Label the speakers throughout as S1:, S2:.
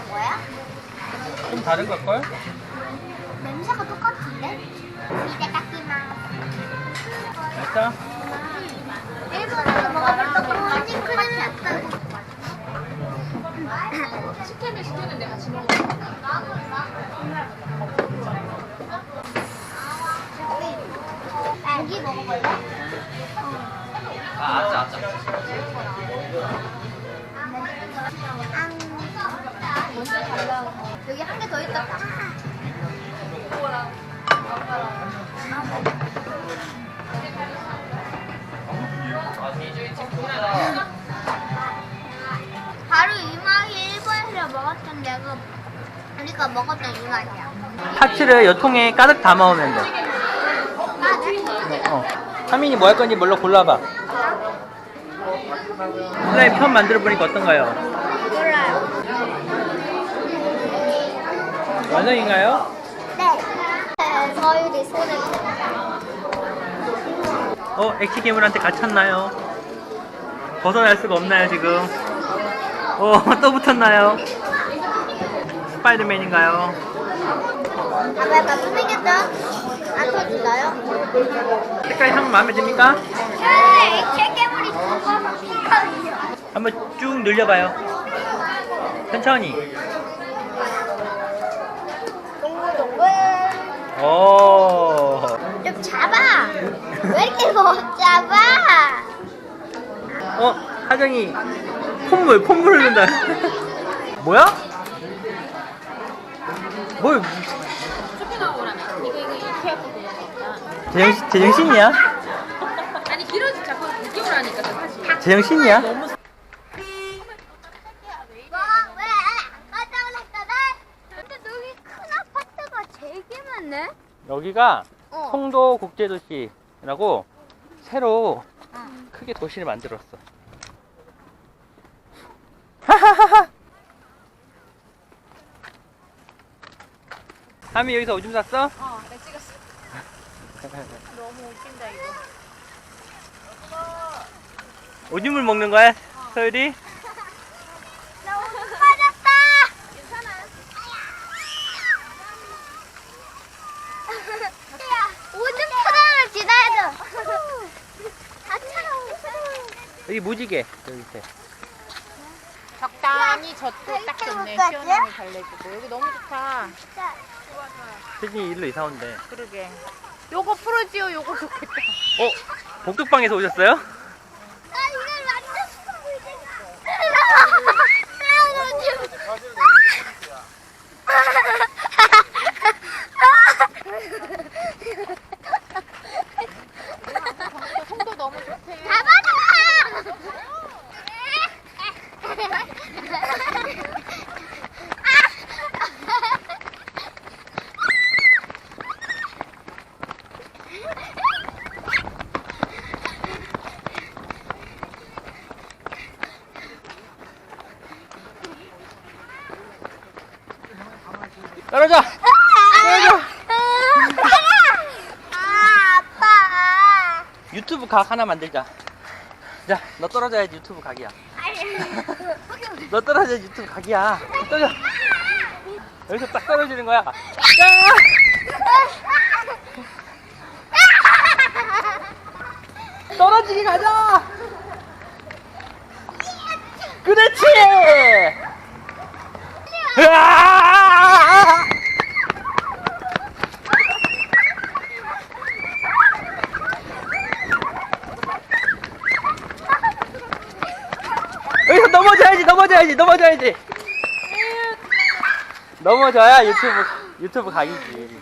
S1: 먹는 거야?
S2: 좀 다른 걸걸?
S1: 냄새가 똑같은데? 이제 깎기만.
S2: 맛있어?
S1: 일본에서 먹어봤던 거 허니크림이 같다고.
S3: 식혜를 시켰는데 같이 먹어.
S1: 고기 먹어볼래?
S2: 아짜.
S1: 먼저 달라고. 여기 한 개 더 있다. 바로 이 맛이 일본에서 먹었던 내가 우리가 먹었던 이 맛이야.
S2: 파츠를 요 통에 가득 담아오면 돼. 하민이 뭐 할 건지 뭘로 골라봐. 슬라임 처음 만들어 보니까 어떤가요?
S1: 몰라요.
S2: 완성인가요?
S1: 네. 서율이 손을
S2: 액체 괴물한테 갇혔나요? 벗어날 수가 없나요 지금? 또 붙었나요? 스파이더맨인가요?
S1: 아빠 약간 숨기겠죠? 안 터진다요?
S2: 색깔 향 마음에 듭니까?
S1: 네, 액체괴물이 죽어서 피거든요.
S2: 한번 쭉 늘려봐요. 천천히.
S1: 동글동글.
S2: 오.
S1: 좀 잡아. 왜 이렇게 못 잡아?
S2: 하정이 콧물 흐른다. 뭐야? 뭘
S3: 쇼핑 하고 오라면. 이거 이렇게 하고 그냥 먹자.
S2: 제정신이야?
S3: 아니 길어지 자꾸 늦게 오라니까 저 사실.
S2: 제정신이야?
S3: 너무
S1: 뭐? 왜? 깜짝 놀랐잖아. 근데 여기 큰 아파트가 되게 많네.
S2: 여기가
S1: 어.
S2: 송도 국제도시라고 새로 크게 도시를 만들었어. 하하하하. 하미 여기서 오줌 쌌어?
S3: 나 찍었어. 너무 웃긴다 이거.
S2: 오줌을 먹는 거야, 서율이?
S1: 나 오줌 빠졌다.
S3: 괜찮아.
S1: 오줌 터널을 지나야죠. 다 차가워.
S2: 여기 무지개 여기 밑에.
S3: 적당히 저쪽 딱 좋네. 시원함을 달래주고 여기 너무 좋다.
S2: 세진이 일로 이사 온대.
S3: 그러게. 요거 프로지오 요거 좋겠다.
S2: 복덕방에서 오셨어요?
S1: 나 이걸 만졌어 이제.
S3: 송도 너무 좋대.
S1: 잡아줘.
S2: 떨어져! 떨어져!
S1: 아빠.
S2: 유튜브 각 하나 만들자. 자, 너 떨어져야지 유튜브 각이야. 너 떨어져야지 유튜브 각이야. 떨어져. 여기서 딱 떨어지는 거야. 야! 떨어지게 가자! 그렇지! 으아! 여기서 넘어져야지. 넘어져야 유튜브 각이지.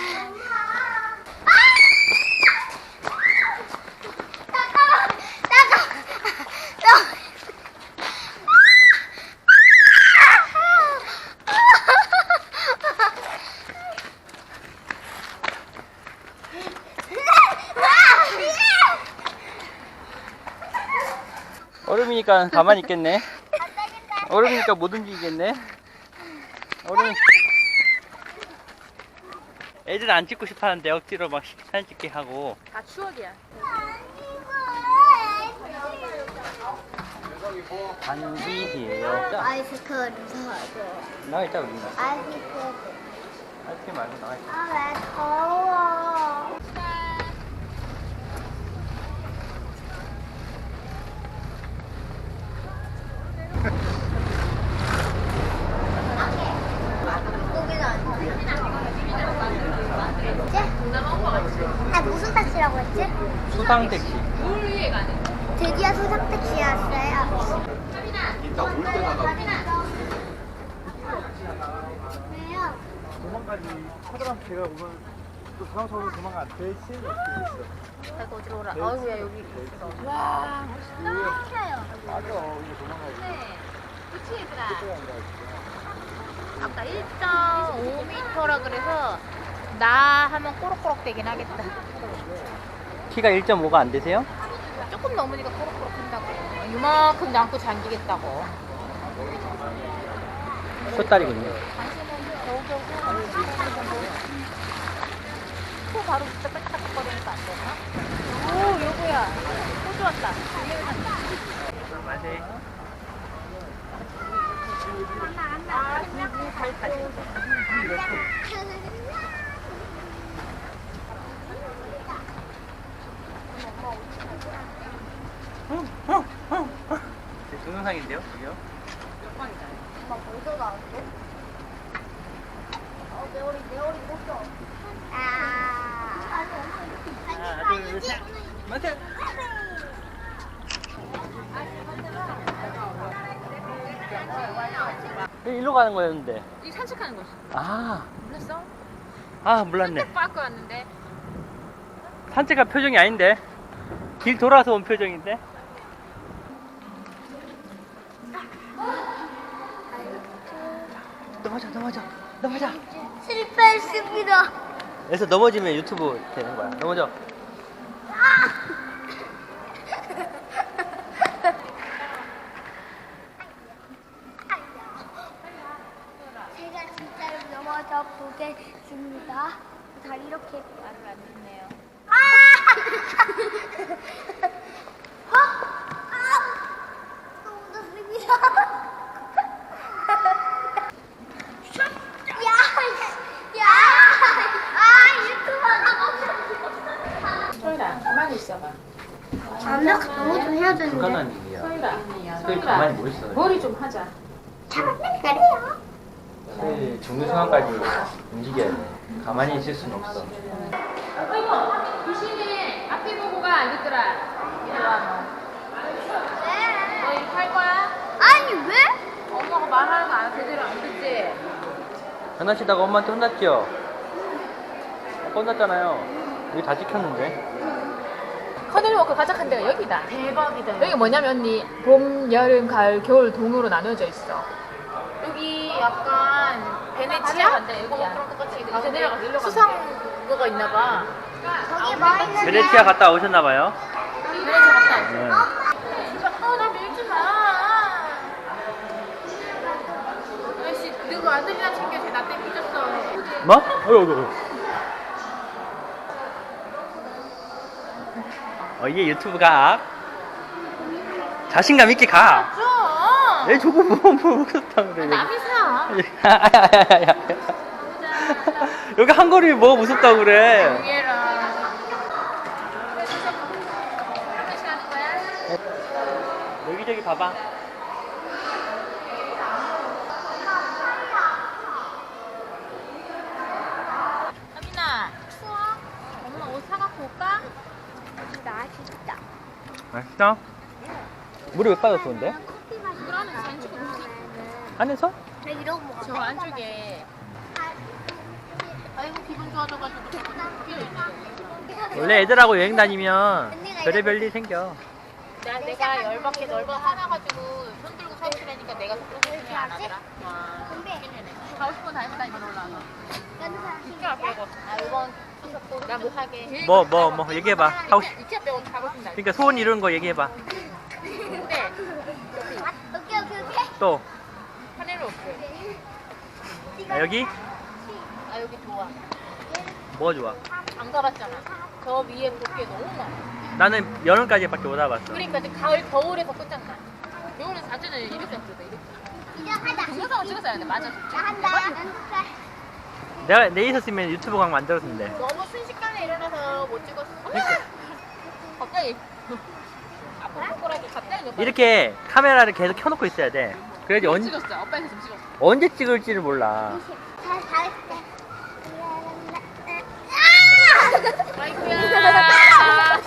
S2: 얼음이니까 가만히 있겠네. 얼음이니까 못 움직이겠네. 얼음. 애들 안 찍고 싶어 하는데 억지로 막 사진 찍게 하고.
S3: 다 추억이야.
S2: 반지이에요.
S1: 아이스크림 사줘.
S2: 나와 있다 우리.
S1: 아이스크림.
S2: 아이스크림 말고 나와 있다.
S1: 아, 왜 더워? 아, 무슨 택시라고 했지?
S2: 수상 택시.
S3: 물 위에 가는.
S1: 드디어 수상 택시였어요.
S4: 이따 올 때 나가.
S1: 왜요?
S4: 도망가지. 사람 제가 오면 또 사람서로 도망가. 대신 이렇게 있어.
S3: 아이고 어지러워라. 아이고야 여기.
S1: 와, 멋있다.
S4: 맞아. 이거 도망가지.
S3: 네. 그치 얘들아.
S4: 그때 한다.
S3: 아까 1.5m라 그래서 나 하면 꼬록꼬록 되긴 하겠다.
S2: 키가 1.5가 안 되세요?
S3: 조금 넘으니까 꼬록꼬록 한다고. 이만큼 남고 잠기겠다고.
S2: 숏다리군요.
S3: 코 바로 진짜 빽빽거리니까 안 되나? 오 여보야. 호주 왔다.
S2: 맞아요. 동영상인데요, 저기요?
S1: 엄마 벌써 나왔어? 내 머리 못 아.
S2: 하나, 둘, 셋. 맞아요. 일로 가는 거였는데.
S3: 이 산책하는 거지.
S2: 아,
S3: 몰랐어?
S2: 몰랐네.
S3: 산책 빠고 왔는데.
S2: 산책할 표정이 아닌데. 길 돌아서 온 표정인데. 넘어져.
S1: 실패했습니다.
S2: 그래서 넘어지면 유튜브 되는 거야. 넘어져.
S1: 제가 진짜로 넘어져 보겠습니다. 다 이렇게
S3: 말을 안 듣네요.
S1: 아! 또 묻었습니다.
S3: 소율아 가만히 있어봐.
S1: 완벽 너무 좀 해야 되는데.
S2: 불가능한 일이야.
S3: 소율아.
S2: 소율 가만히 뭐 있어.
S3: 머리 좀 하자.
S1: 잘하면 그래요.
S2: 소율 중요 상황까지 움직여야 돼. 가만히 있을 수는 없어.
S3: 어이구 조심해. 앞에 보고 가 알겠더라. 이리 와 너. 너 이렇게 할 거야?
S1: 아니 왜?
S3: 엄마가 말하는 거 안 제대로 안 듣지?
S2: 장난치다가 엄마한테 혼났죠? 혼났잖아요. 여기 다 찍혔는데.
S3: 커널워크 가장 데가 여기다. 대박이다. 여기 뭐냐면 언니 봄, 여름, 가을, 겨울 동으로 나눠져 있어. 여기 약간 베네치아? 여기야. 이제 내려가. 수상 그거가 있나 봐.
S1: 저기 뭐 있는데?
S2: 베네치아 갔다 오셨나봐요.
S3: 베네치아 갔다 왔어.
S2: 네.
S3: 나 밀지 마. 아저씨 그리고 아들이나 챙겨 쟤나 때문에 삐졌어.
S2: 뭐? 어이구. 이게 유튜브 각. 자신감 있게 가.
S3: 좀.
S2: 얘 저거 뭐 먹었다 그래.
S3: 남이 사.
S2: 야야야야야. 여기 한 거리 뭐가 무섭다고 그래.
S3: 여기라. 몇 시간 하는 거야?
S2: 여기저기 봐봐.
S3: 아민아 추워? 엄마 옷 사갖고 올까?
S1: 맛있다.
S2: 맛있어? 물이 왜 빠졌어 근데?
S1: 커피 맛이
S3: 그러면 잔치고
S2: 안에서?
S1: 이러고 먹어.
S3: 저 안쪽에 아이고 기분 좋아져가지고 끼어 있네.
S2: 원래 애들하고 여행 다니면 별의별 일 생겨.
S3: 내가 열받게 넓어 화나가지고 손 들고 서 있으라니까 내가 속도를 안 하더라. 와 가고 싶은 다 했다 이번 올라와서 이케아 빼고 이번 추석도 나 못 하게
S2: 뭐 얘기해봐. 하고 싶.
S3: 이케아 빼고 가고 싶은 날
S2: 그러니까 소원 이루는 거 얘기해봐.
S3: 근데
S1: 오케이.
S2: 또
S3: 하늘로 없어.
S2: 여기
S3: 여기 좋아.
S2: 뭐가 좋아?
S3: 안 가봤잖아. 저 위에 볼 게 너무 많아.
S2: 나는 여름까지밖에 못 와봤어.
S3: 그러니까 이제 가을 겨울에서 끝장나. 이거는 사진을 이렇게 찍었다 이렇게.
S1: 이제 하자.
S3: 동영상을 찍었어야 돼. 맞아.
S1: 나 한다. 연습해.
S2: 내가 내 있었으면 유튜브 강 만들었는데.
S3: 너무 순식간에 일어나서 못 찍었어. 갑자기. 앞으로 갑자기 몇 번.
S2: 이렇게 카메라를 계속 켜놓고 있어야 돼. 그래야지
S3: 찍었어. 오빠 계속 찍었어.
S2: 언제 찍을지를 몰라.
S1: 잘했대.
S3: 아이고야.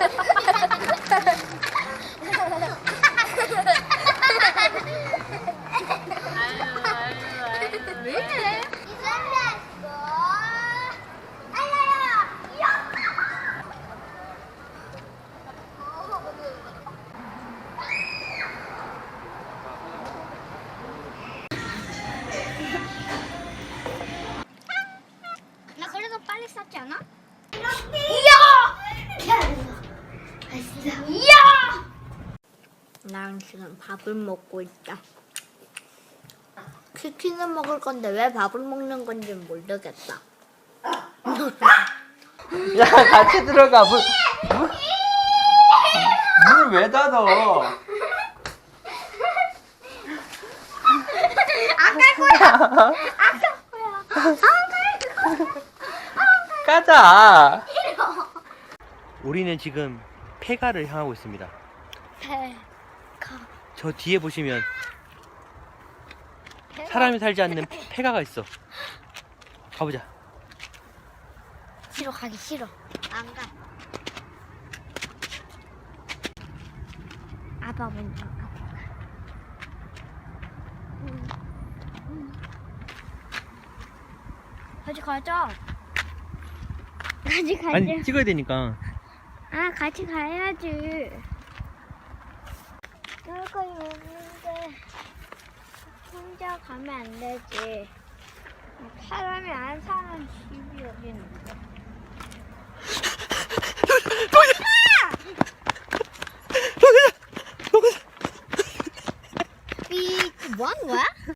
S3: 왜 이래?
S1: 나 그래도 빨리 쌌지 않아?
S5: 나랑 지금 밥을 먹고 있다. 치킨을 먹을 건데 왜 밥을 먹는 건지 모르겠다.
S2: 야, 같이 들어가. 문을 왜 닫어? 가자. 우리는 지금 폐가를 향하고 있습니다. 저 뒤에 보시면 사람이 살지 않는 폐가가 있어. 가보자.
S1: 싫어, 가기 싫어. 안 가. 아빠 먼저 가. 같이 가자. 같이 가자.
S2: 아니, 찍어야 되니까.
S1: 아, 같이 가야지. 여기까지 오는데 혼자 가면 안 되지. 사람이 안 사는 집이 여기 있는데. 삐, 뭐 하는 거야?